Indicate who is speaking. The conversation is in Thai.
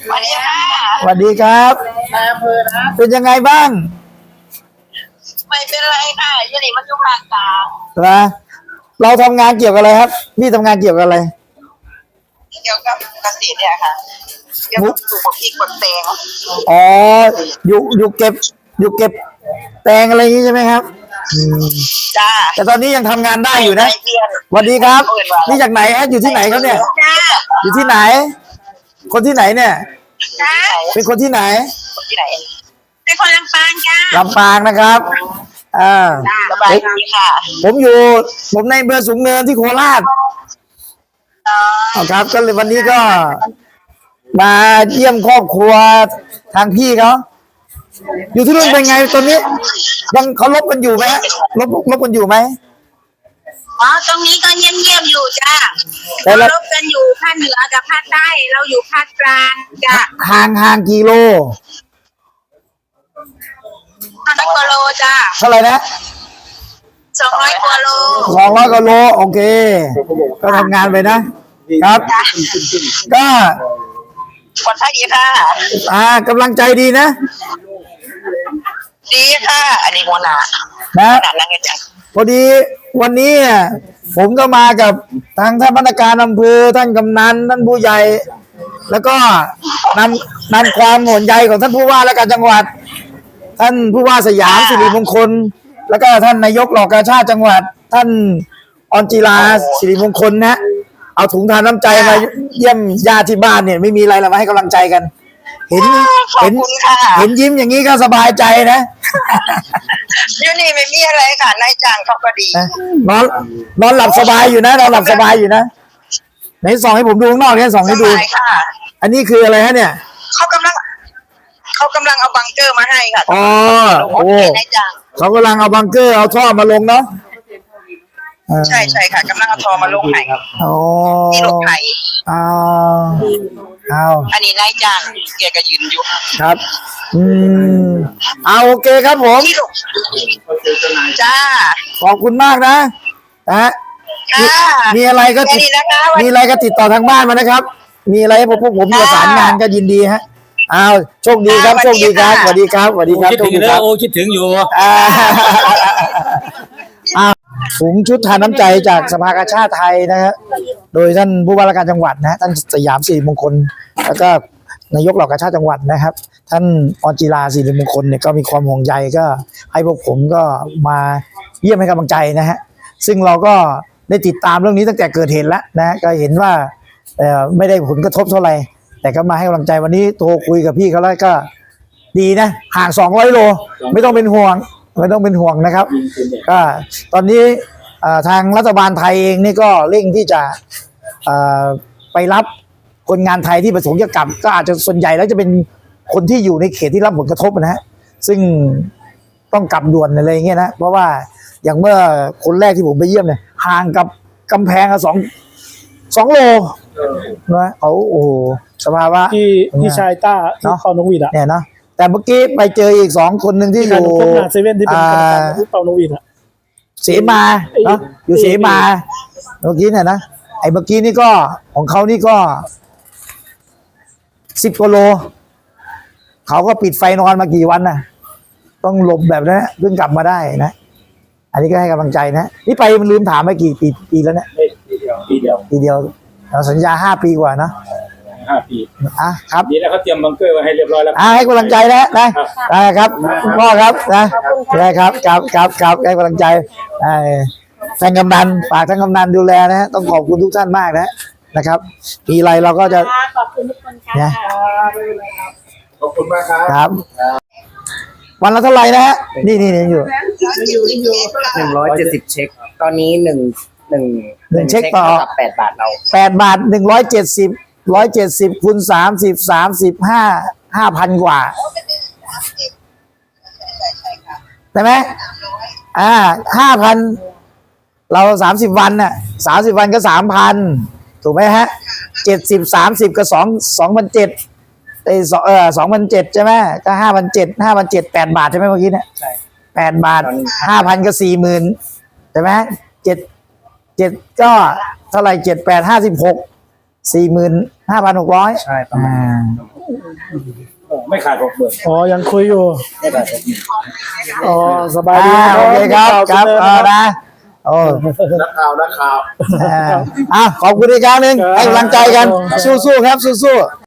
Speaker 1: สวัสดีค่ะ
Speaker 2: สวัสดีครับเป็นยังไงบ้าง
Speaker 1: ไม่เป็นไรค่ะยี่นี่มันอยู่ภาคกลาง
Speaker 2: นะเราทำงานเกี่ยวกับอะไรครับพี่ทำงานเกี่ยวกับอะไร
Speaker 1: เกี่ยวกับเกษตรเนี่ยค่ะเกี่ยวกับปลูกพริกปลูกแตง
Speaker 2: อ๋ออยู่เก็บแตงอะไรอย่างนี้ใช่ไหมครับ
Speaker 1: จ้า
Speaker 2: แต่ตอนนี้ยังทำงานได้อยู่นะ
Speaker 1: เพื่อน
Speaker 2: สวัสดีครับนี่จากไหนฮะอยู่ที่ไหนครับเนี่ย
Speaker 1: จ้า
Speaker 2: อยู่ที่ไหน คนที่ไหนเนี่ย
Speaker 1: จ้า
Speaker 2: เป็นคนที่ไหน
Speaker 1: คนที่ไหนเป็นคนลำปางจ้า
Speaker 2: ลำปางนะครับ
Speaker 1: สบายดีค่ะ
Speaker 2: ผมในอำเภอสูงเนินที่โคราชครับก็เลยวันนี้ก็มาเยี่ยมครอบครัวทางพี่เขาอยู่ที่นู่นเป็นไงตอนนี้ยังเขาลบกันอยู่ไหมลบกันอยู่ไหม
Speaker 1: อ๋อตรงนี้ก็เงียบๆอยู่จ้า
Speaker 2: แต่ละ
Speaker 1: รบกันอยู่ภาคเหนือกับภาคใต้เราอยู่ภาคกลางจ้า
Speaker 2: ห่างกี่โล
Speaker 1: 200 กว่าโลจ้า
Speaker 2: เท่าไหร่นะ
Speaker 1: 200 กว่าโล
Speaker 2: 200 กว่าโลโอเค ก็ทำงานไปนะครับ ก็
Speaker 1: คนไทยดีค่ะ
Speaker 2: กำลังใจดีนะ
Speaker 1: ดีค่ะ อันนี้หัวหน้า
Speaker 2: นะ
Speaker 1: ขนาดนั้นไงจ้ะ
Speaker 2: พอดีวันนี้ผมก็มากับทางท่านพนักงานอำเภอท่านกำนันท่านผู้ใหญ่ แล้วก็นำความห่วงใยของท่านผู้ว่าและการจังหวัด ท่านผู้ว่าสยามสิริมงคล แล้วก็ท่านนายกเหล่ากาชาติจังหวัด ท่านออนจิลาสิริมงคลนะเอาถุงทานน้ำใจมาเยี่ยมญาติที่บ้านเนี่ยไม่มีอะไรเรามาให้กำลังใจกัน เห็น
Speaker 1: ขอบคุณค่ะ
Speaker 2: เห็นยิ้มอย่างนี้ก็สบายใจนะ
Speaker 1: อยู่นี่ไม่มีอะไรค่ะนายจ้างเขาก็ดี
Speaker 2: นอนหลับสบายอยู่นะนอนหลับสบายอยู่นะไหนส่องให้ผมดูข้างนอกเนี่ยส่อง
Speaker 1: ส
Speaker 2: ให้ดู
Speaker 1: บายค่ะ
Speaker 2: อันนี้คืออะไรฮะเนี่ย
Speaker 1: เขากำลังเอาบังเกอร์มาให้ค่ะ
Speaker 2: อ๋อโอ้
Speaker 1: นายจ้าง
Speaker 2: เขากำลังเอาบังเกอร์เอาท่อมาลงเนาะ
Speaker 1: ใช่ค่ะกำลังเอาทอมาลงให้
Speaker 2: อ๋อ
Speaker 1: ที่รถไถ
Speaker 2: เอาเอา
Speaker 1: อันนี้นายจ้างแกก็ยืนอยู่
Speaker 2: ครับเอาโอเคครับผม
Speaker 1: ที่ลูกจ้า
Speaker 2: ขอบคุณมากนะฮะ
Speaker 1: ค่ะ
Speaker 2: มีอะไรก็
Speaker 1: แค่นี้นะคะวัน
Speaker 2: มีอะไรก็ติดต่อทางบ้านมานะครับ มีอะไรให้พวกผมประสานงานก็ยินดีฮะเอาโชคดีครับโชคดีครับสวัสดีครับสวัสดีครับ
Speaker 3: คิด
Speaker 2: โช
Speaker 3: ถึ
Speaker 2: ค
Speaker 3: ง
Speaker 2: ดี
Speaker 3: แล้
Speaker 2: ครั
Speaker 3: ว
Speaker 2: บ
Speaker 3: โอ้คิดถึงอยู่
Speaker 2: ถุงชุดทานน้ำใจจากสภากาชาติไทยนะฮะโดยท่านผู้ว่าราชการจังหวัดนะท่านสยามสิริมงคล แล้วก็นายกเหล่ากาชาติจังหวัดนะครับ ท่านออนจิลาสิริมงคลเนี่ยก็มีความห่วงใยก็ให้พวกผมก็มาเยี่ยมให้กำลังใจนะฮะซึ่งเราก็ได้ติดตามเรื่องนี้ตั้งแต่เกิดเหตุแล้วนะก็เห็นว่าไม่ได้ผลกระทบเท่าไหร่แต่ก็มาให้กำลังใจวันนี้โทรคุยกับพี่เขาแล้วก็ดีนะห่าง200 โลไม่ต้องเป็นห่วงนะครับก็ตอนนี้ทางรัฐบาลไทยเองนี่ก็เร่งที่จะไปรับคนงานไทยที่ประสงค์จะกลับก็อาจจะส่วนใหญ่แล้วจะเป็นคนที่อยู่ในเขตที่รับผลกระทบนะฮะซึ่งต้องกลับด่วนอะไรอย่างเงี้ยนะเพราะว่าอย่างเมื่อคนแรกที่ผมไปเยี่ยมเนี่ยห่างกับกำแพง2 โลนะเขาโอ้โหสภาวะ
Speaker 4: ที่ชายต้าที่เปานกหวีดอ่ะ
Speaker 2: เนี่ยนะแต่เมื่อกี้ไปเจออีก2 คนหนึ่งที่อยู่
Speaker 4: พบงานเซเว่นที่เป็นกรรมการที่เปานกหวีดอ่ะ
Speaker 2: เสมาเนาะอยู่เสมาเมื่อกี้เนี่ยนะไอ้เมื่อกี้นี่ก็ของเขานี่ก็10 กว่าโลเขาก็ปิดไฟนอนมากี่วันน่ะต้องหลบแบบนั้นเพิ่งกลับมาได้นะอันนี้ก็ให้กำลังใจนะนี่ไปมันลืมถามไปกี่ปีแล้วเนี่ยปีเดียวเราสัญญา5 ปีกว่านะ
Speaker 3: 5 ปี
Speaker 2: ครับ
Speaker 3: ดีแล้วเขาเตรียมบังเกอร์ไว้ให้เรียบร้อยแล้ว
Speaker 2: ให้กำลังใจนะครับพ่อครับได้ครับให้กำลังใจท่านกำนันฝากท่านกำนันดูแลนะฮะต้องขอบคุณทุกท่านมากนะครับปีไรเราก็จะ
Speaker 5: ขอบคุณทุกคนค่ะ
Speaker 3: ขอบคุณมากครับ
Speaker 2: ครับ วันละเท่าไหร่นะฮะนี่อยู่
Speaker 6: 170 เช็ค ตอนนี้หนึ่ง
Speaker 2: เช็คต่อ
Speaker 6: กับ8 บาทเรา
Speaker 2: 8 บาท170คูณ30 5,000 กว่าใช่ไหม5,000เรา30 วันน่ะ30 วันก็ 3,000 ถูกไหมฮะ70 30ก็2,700 ใช่ไหมก็5,700 8 บาทใช่ไหมเมื่อกี้เนี่ย8 บาท 5,000 ก็ 40,000 ใช่ไหม7ก็เท่าไหร่7 8 56 45,600
Speaker 6: ใช่ประมาณ
Speaker 3: ไม่ขาด60,000
Speaker 4: อ๋อยังคุยอยู่
Speaker 3: ไม่ขาด60,000
Speaker 4: อ๋อสบายดี
Speaker 2: โอเคครับครับ
Speaker 4: เชิญนะ
Speaker 2: นะโอ้
Speaker 3: นักข่าว
Speaker 2: ขอบคุณอีกครั้งหนึ่งให้กำลังใจกันสู้ๆครับสู้ๆ